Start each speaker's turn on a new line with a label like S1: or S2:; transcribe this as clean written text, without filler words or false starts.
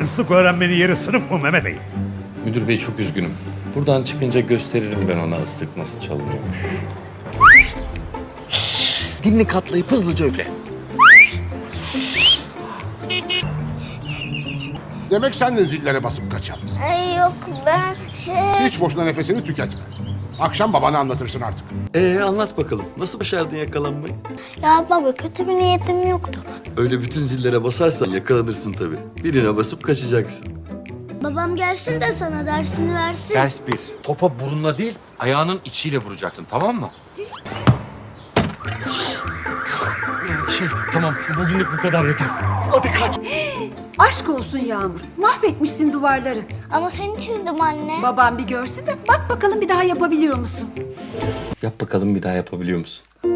S1: Hırsızlık öğrenmenin yeri sınıf mı Mehmet Bey?
S2: Müdür bey çok üzgünüm. Buradan çıkınca gösteririm ben ona ıslık nasıl çalınıyormuş.
S3: Dilini katlayıp hızlıca üfle.
S4: Demek sen de zillere basıp kaçan.
S5: Yok ben
S4: Hiç boşuna nefesini tüketme. Akşam babana anlatırsın artık.
S6: Anlat bakalım. Nasıl başardın yakalanmayı?
S5: Ya baba kötü bir niyetim yoktu.
S6: Öyle bütün zillere basarsan yakalanırsın tabii. Birine basıp kaçacaksın.
S5: Babam gelsin de sana dersini versin.
S2: Ders 1. Topa burunla değil, ayağının içiyle vuracaksın, tamam mı? Tamam, bugünlük bu kadar yeter.
S7: Aşk olsun Yağmur. Mahvetmişsin duvarları.
S5: Ama seni çizdim anne.
S7: Babam bir görsün de bak bakalım bir daha yapabiliyor musun?
S2: Yap bakalım bir daha yapabiliyor musun?